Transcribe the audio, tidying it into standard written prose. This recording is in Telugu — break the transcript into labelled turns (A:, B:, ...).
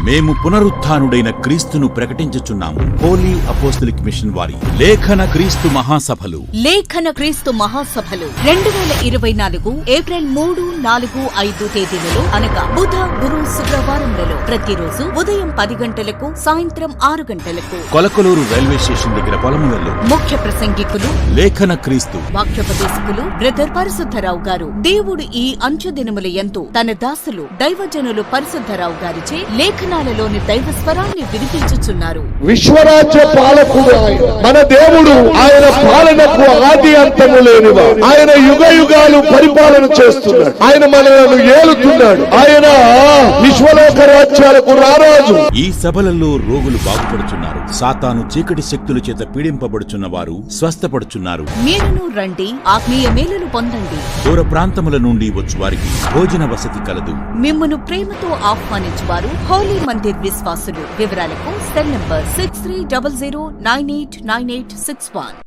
A: మేము పునరుత్థానుడైన క్రీస్తును ప్రకటించుచున్నాము. హోలీ అపోస్తలిక్ మిషన్ వారి లేఖన క్రీస్తు మహాసభలు
B: 2024 ఏప్రిల్ 3, 4, 5 తేదీలలో అనగా బుధ, గురు, శుక్రవారంలలో ప్రతిరోజు ఉదయం 10 గంటలకు, సాయంత్రం 6 గంటలకు
A: కొలకలూరు రైల్వే స్టేషన్ దగ్గర పొలములలో
B: ముఖ్య ప్రసంగికులు
A: లేఖన క్రీస్తు
B: వాక్యోపదేశకులు బ్రదర్ పరిశుద్ధరావు గారు. దేవుడు ఈ అంచె దినముల యందు తన దాసులు దైవజనులు పరిశుద్ధరావు గారిచే లేఖనాలలోని దైవ స్వరాన్ని వినిపించుచున్నారు.
C: విశ్వరాజ్య పాలకుడు మన దేవుడు. ఆయన పాలనకు ఆది అంతము లేనివా. ఆయన యుగ యుగాలు పరిపాలన చేస్తున్నాడు. ఆయన మనలను ఏలుతున్నాడు. ఆయన విశ్వలోక రాజ్యాలకు రారాజు.
A: ఈ సభలలో రోగులు బాగుపడుచున్నారు. సాతాను చీకటి శక్తుల చేత పీడింపబడుచున్న వారు స్వస్థపడుచున్నారు.
B: మీరును రండి, ఆత్మీయ మేలును పొందండి.
A: దూర ప్రాంతముల నుండి వచ్చు వారికి భోజన వసతి కలదు.
B: మిమ్మును ప్రేమతో ఆహ్వానించువారు హోలీ మందిర్ విశ్వాసులు. వివరాలకు సెల్ నంబర్ 6300989861.